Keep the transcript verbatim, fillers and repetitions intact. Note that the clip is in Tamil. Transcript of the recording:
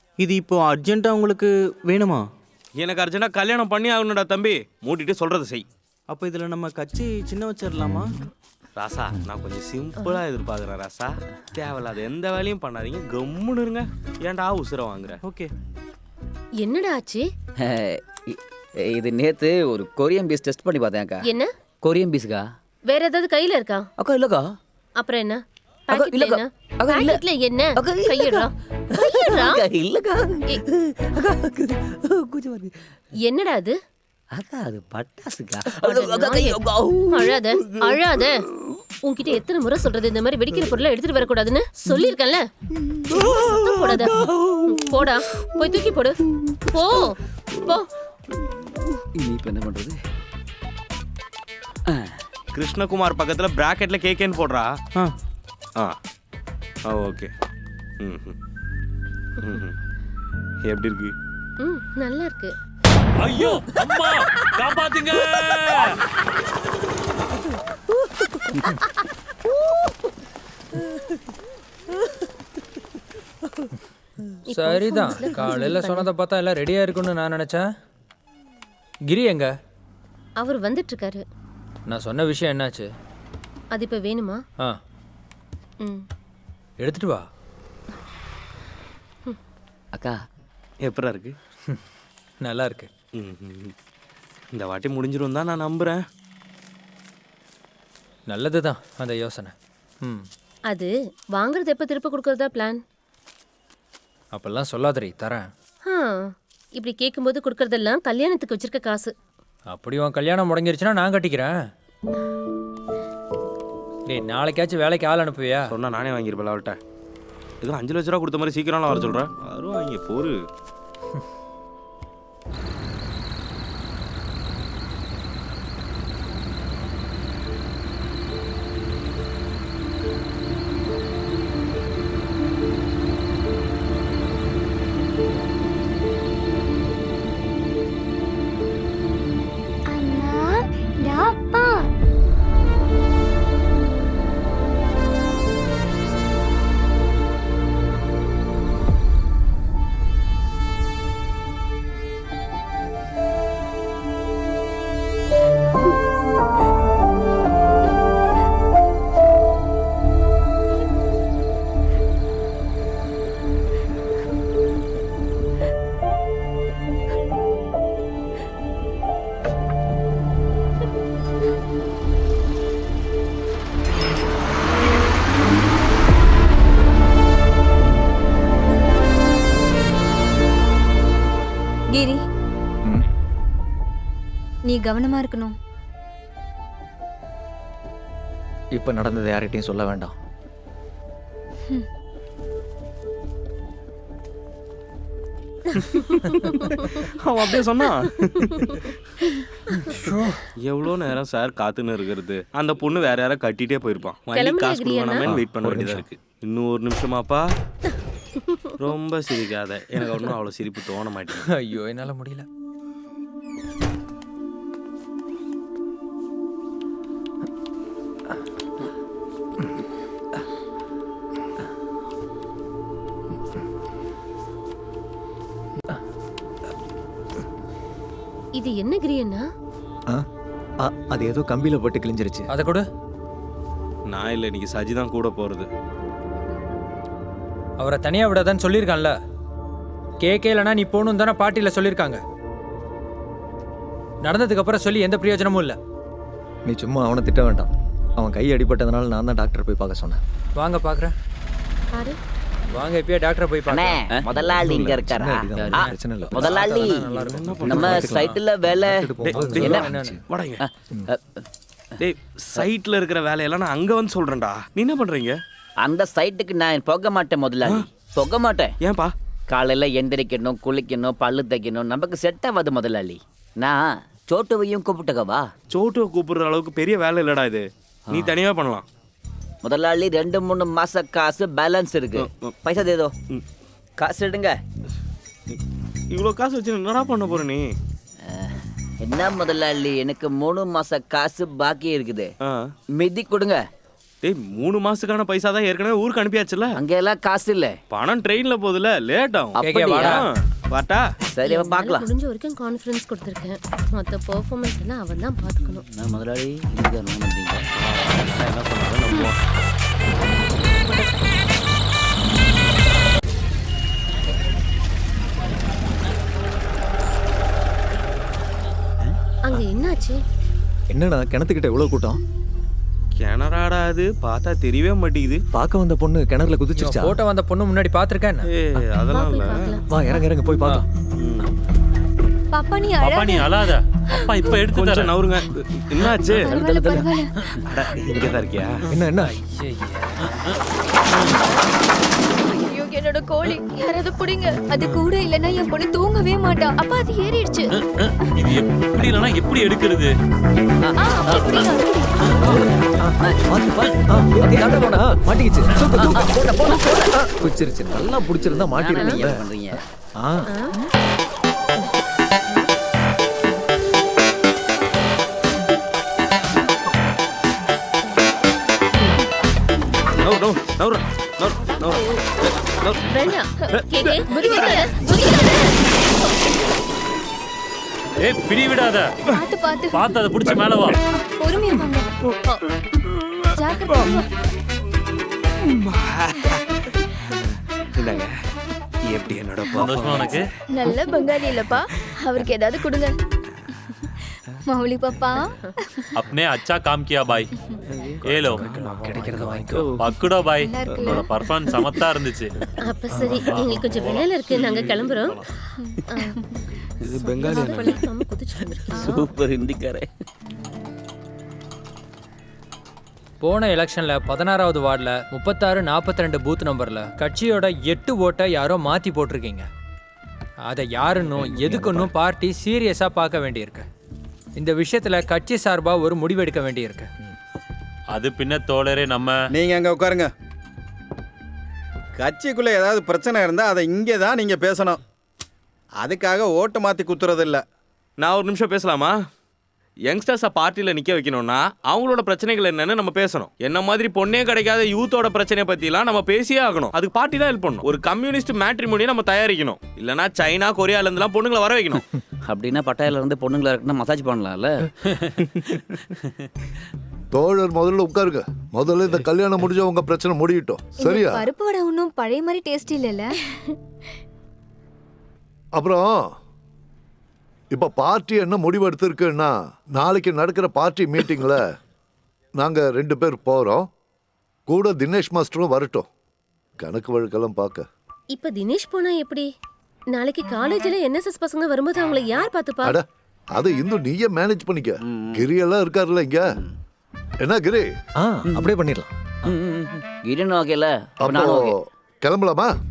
இது இப்போ அர்ஜென்ட்டாக உங்களுக்கு வேணுமா? எனக்கு அர்ஜென்ட்டாக கல்யாணம் பண்ணி ஆகணும்டா தம்பி. மூட்டிட்டு சொல்கிறத செய். அப்போ இதில் நம்ம கட்சி சின்ன வச்சிடலாமா? ராசா, நான் கொஞ்சம் சிம்பிளாக எதிர்பார்க்குறேன் ராசா. தேவையில்லாத எந்த வேலையும் பண்ணாதீங்க, கம்முன்னு இருங்க. ஏன்டா உசுரை வாங்குற? ஓகே. என்னடா ஆச்சு? இது நேத்து ஒரு கொரியன் பீஸ் டெஸ்ட் பண்ணி பார்த்தேன் அக்கா. என்ன கொரியன் பீஸ்க்கா? வேற ஏதாவது கையில இருக்கா? அக்கா இல்லக்கா. அப்புறம் என்ன? அக்கா, பாக்கெட்ல இல்லக்கா. என்ன? அக்கா, இல்ல. பாக்கெட்ல என்ன? அக்கா, இல்லக்கா. கையிடுறா. கையிடுறா. அக்கா இல்லக்கா. ஏய். அக்கா கொஞ்சம் வருது. என்னடா அது? அக்கா அது பட்டாசுக்கா. அட அக்கா கை நாயே. அக்கா. அழாத அழாத. உன்கிட்ட எத்தனை முறை சொல்றது இந்த மாதிரி வெடிக்கிற பொருளை எடுத்துட்டு வரக்கூடாதுன்னு? சொல்லியிருக்கேன்ல. சத்தம் போடாத. போடா, போய் தூக்கி போடு. போ போ. இனி இப்ப என்ன பண்றது? கிருஷ்ணகுமார் பக்கத்தில் ப்ராக்கெட்டில் கேக்கேன்னு போடுறா. ஆ ஆ ஆ ஓகே. ம் ம் எப்படி இருக்கு? ம் நல்லா இருக்கு. ஐயோ அம்மா காப்பாத்துங்க. சரிதான், காலையில் சொன்னதை பார்த்தா எல்லாம் ரெடியாக இருக்குன்னு நான் நினச்சேன். கிரி எங்க? அவர் வந்துட்டு இருக்காரு. நான் சொன்ன விஷயம் என்னாச்சு? அது இப்ப வேணுமா? ஆ ம். எடுத்துட்டு வா. அக்கா எப்படா இருக்கு? நல்லா இருக்கு. ம் ம். இந்த வாட்டி முடிஞ்சிரும் தான் நான் நம்புகிறேன். நல்லது தான் அந்த யோசனை. ம் அது வாங்குறது எப்ப திருப்ப கொடுக்கறதா பிளான்? அப்பெல்லாம் சொல்லாதடி, தரேன். ஆ, இப்படி கேட்கும்போது கொடுக்கறதெல்லாம் கல்யாணத்துக்கு வச்சிருக்க காசு. அப்படி உன் கல்யாணம் முடங்கிருச்சுன்னா நான் கட்டிக்கிறேன். டேய், நாளைக்காச்சும் வேலைக்கு ஆள் அனுப்புவியா? சொன்னால் நானே வாங்கியிருப்பேன் அவள்கிட்ட. எதுவும் அஞ்சு லட்ச ரூபா கொடுத்த மாதிரி சீக்கிரம்லாம் வர சொல்கிறேன். வரும் வாங்கி போரு. கிரி, நீ கவனமா இருக்கணும். இப்ப நடந்தது யார்கிட்டயும் சொல்ல வேண்டாம். அவன் அப்படியே சொன்னான். எவ்வளோ நேரம் சார் காத்துன்னு இருக்கிறது? அந்த பொண்ணு வேற யாராவது கட்டிட்டே போயிருப்பான். வண்டி கிளம்புறியா காசு கிரியாண்ணா? கொடுக்கணுமே வெயிட் பண்ண வேண்டியதா இருக்கு. இன்னும் ஒரு நிமிஷமாப்பா. ரொம்ப சிரிக்காத, எனக்கு ஒன்றும் அவ்வளோ சிரிப்பு தோண மாட்டேங்குது. ஐயோ என்னால் முடியல. இது என்ன கிரியன்னா? அது ஏதோ கம்பியில போட்டு கிழிஞ்சிருச்சு. அதை கொடு. நான் இல்லை, இன்னைக்கு சஜி தான் கூட போகிறது. அவரை தனியாக விடாதான்னு சொல்லியிருக்கான்ல. கேட்கலன்னா நீ போகணும் தானே பாட்டியில் சொல்லியிருக்காங்க. நடந்ததுக்கு அப்புறம் சொல்லி எந்த பிரயோஜனமும் இல்லை. நீ சும்மா அவனை திட்ட வேண்டாம். அவன் கை அடிபட்டதுனால நான் தான் டாக்டர் போய் பார்க்க சொன்னேன். வாங்க பார்க்குறேன். பாரு. வாங்க இப்பயே டாக்டரை போய் பார்க்க. முதலாளி இங்க இருக்காரா? ஆ, பிரச்சனை இல்லை. முதலாளி நம்ம சைட்டுல வேலை வாடங்க. டேய், சைட்டில் இருக்கிற வேலையெல்லாம் நான் அங்கே வந்து சொல்கிறேன்டா. நீ என்ன பண்ணுறீங்க? அந்த சைட்டுக்கு நான் போக மாட்டேன் முதலாளி, போக மாட்டேன். ஏன்பா? காலையில எந்திரிக்கணும், குளிக்கணும், பல்லு தைக்கணும், நமக்கு செட் ஆகாது முதலாளி. நான் சோட்டுவையும் கூப்பிட்டுக்கவா? சோட்டுவை கூப்பிடுற அளவுக்கு பெரிய வேலை இல்லடா இது. நீ தனியாக பண்ணலாம். முதலாளி ரெண்டு மூணு மாச காசு பேலன்ஸ் இருக்கு, பைசா தேதோ. காசு எடுங்க. இவ்வளோ காசு வச்சு என்னடா பண்ண போற நீ? என்ன முதலாளி, எனக்கு மூணு மாச காசு பாக்கி இருக்குது, மிதி கொடுங்க. டேய் மூணு மாசத்துக்கான பைசா தான் ஏற்கனவே ஊருக்கு அனுப்பியாச்சுல. அங்க எல்லாம் காசு இல்ல. பணம் ட்ரெயின்ல போகுதுல, லேட் ஆகும். அப்படியா? ஆ, வாட்டா. சரி அவ பார்க்கலாம். முடிஞ்ச வரைக்கும் கான்ஃபரன்ஸ் கொடுத்துருக்கேன். மற்ற பெர்ஃபார்மன்ஸ் எல்லாம் அவன் தான் பார்த்துக்கணும். நான் முதலாளி இங்க என்ன பண்றீங்க? என்ன சொன்னாலும் நம்புவோம். அங்க என்னாச்சு? என்னடா கிணத்துக்கிட்ட எவ்வளோ கூட்டம்? கிணறாடா அது, பார்த்தா தெரியவே மாட்டேங்குது. பார்க்க வந்த பொண்ணு கிணறுல குதிச்சிருச்சா? போட்டோ வந்த பொண்ணு முன்னாடி பார்த்துருக்கேன். ஏய் வா அதெல்லாம் போய் இல்ல. பார்க்கலாம். வா இறங்க இறங்க போய் பார்க்கலாம். பாப்பா நீ பாப்பா நீ அழாத, அப்பா இப்ப எடுத்து கொஞ்சம் தரேன். நவருங்க. என்னாச்சு? பரவாயில்ல பரவாயில்ல. அட, இங்கதான் இருக்கியா? என்ன என்ன? ஐயோ என்னோட கோழி யாராவது புடிங்க. அது கூட இல்லைன்னா என் பொண்ணு தூங்கவே மாட்டா. அப்பா அது ஏறிடுச்சு. இது எப்படி இல்லைன்னா எப்படி எடுக்கிறது? ஆ, அப்படி புடிங்க. பார்த்து பார்த்து. ஆ, ஏய், தாண்டா போடா. மாட்டிக்கிச்சு. தூக்கு, தூக்கு. ஆ, பிடிச்சிருச்சு. நல்லா பிடிச்சிருந்தா நீங்க மாட்டிருக்கீங்க. என்ன பண்றீங்க? ஆ நவரு, நவரு, நவரு, நவரு, நவரு. வேண்டாம். கேக்கே, குதிக்காத, குதிக்காத. ஏய் பிடி விடாத, பாத்து பாத்து. பார்த்து அதை பிடிச்சி மேல வா. பொறுமையா வாங்க. ஜாக்கிரதை. இந்தாங்க. எப்படி என்னோட சந்தோஷமா உனக்கு? நல்ல பங்காளி இல்லப்பா. அவருக்கு ஏதாவது கொடுங்க. மௌலி பாப்பா. अपने अच्छा काम किया भाई. ये लो கிடைக்கிறத வாங்கிக்கோ. பக்குடோ பாய். நல்லா இருக்குல்ல? உன்னோட பர்ஃபார்மன்ஸ் சமத்தா இருந்துச்சு. அப்ப சரி, எங்களுக்கு கொஞ்சம் வேலை இருக்கு, நாங்க கிளம்புறோம். ஆ, இது பெங்காலி அண்ணா. பழக்காம குதிச்சு வந்திருக்கீங்க. சூப்பர் ஹிந்திக்காரே. போன எலெக்ஷன்ல பதினாறாவது வார்டில் முப்பத்தாறு நாற்பத்தி ரெண்டு பூத் நம்பர்ல கட்சியோட எட்டு ஓட்டை யாரோ மாத்தி போட்டிருக்கீங்க. அதை யாருன்னும் எதுக்குன்னும் பார்ட்டி சீரியஸா பார்க்க வேண்டியிருக்கு. இந்த விஷயத்துல கட்சி சார்பா ஒரு முடிவெடுக்க வேண்டியிருக்கு. அது பின்ன தோழரே நம்ம நீங்க அங்க உட்காருங்க. கட்சிக்குள்ள ஏதாவது பிரச்சனை இருந்தா அதை இங்கே தான் நீங்க பேசணும். அதுக்காக ஓட்டு மாத்தி குத்துறது இல்ல. நான் ஒரு நிமிஷம் பேசலாமா? யங்ஸ்டர்ஸை பார்ட்டியில் நிற்க வைக்கணும்னா அவங்களோட பிரச்சனைகள் என்னன்னு நம்ம பேசணும். என்ன மாதிரி பொண்ணே கிடைக்காத யூத்தோட பிரச்சனையை பற்றிலாம் நம்ம பேசியே ஆகணும். அதுக்கு பார்ட்டி தான் ஹெல்ப் பண்ணணும். ஒரு கம்யூனிஸ்ட் மேட்ரிமோனியை நம்ம தயாரிக்கணும். இல்லைனா சைனா கொரியாலேருந்துலாம் பொண்ணுங்களை வர வைக்கணும். அப்படின்னா பட்டாயில இருந்து பொண்ணுங்களா இருக்குன்னா மசாஜ் பண்ணலாம்ல. தோழர் முதல்ல உட்காருங்க. முதல்ல இந்த கல்யாணம் முடிஞ்ச உங்க பிரச்சனை முடியட்டும். சரியா? பருப்பு வடை ஒன்றும் பழைய மாதிரி டேஸ்ட் இல்லைல்ல. அப்புறம் இப்ப பார்ட்டி என்ன முடிவு எடுத்திருக்குன்னா, நாளைக்கு நடக்கிற பார்ட்டி மீட்டிங்ல நாங்க ரெண்டு பேர் போறோம். கூட தினேஷ் மாஸ்டரும் வரட்டும், கணக்கு வழக்கெல்லாம் பார்க்க. இப்ப தினேஷ் போனா எப்படி? நாளைக்கு காலேஜ்ல என்எஸ்எஸ் பசங்க வரும்போது அவங்களை யார் பாத்துப்பா? அட அது இன்னும் நீயே மேனேஜ் பண்ணிக்க. கிரி எல்லாம் இருக்காருல்ல இங்க. என்ன கிரி? ஆ அப்படியே பண்ணிடலாம். கிரீன் ஓகேல. அப்போ கிளம்பலாமா?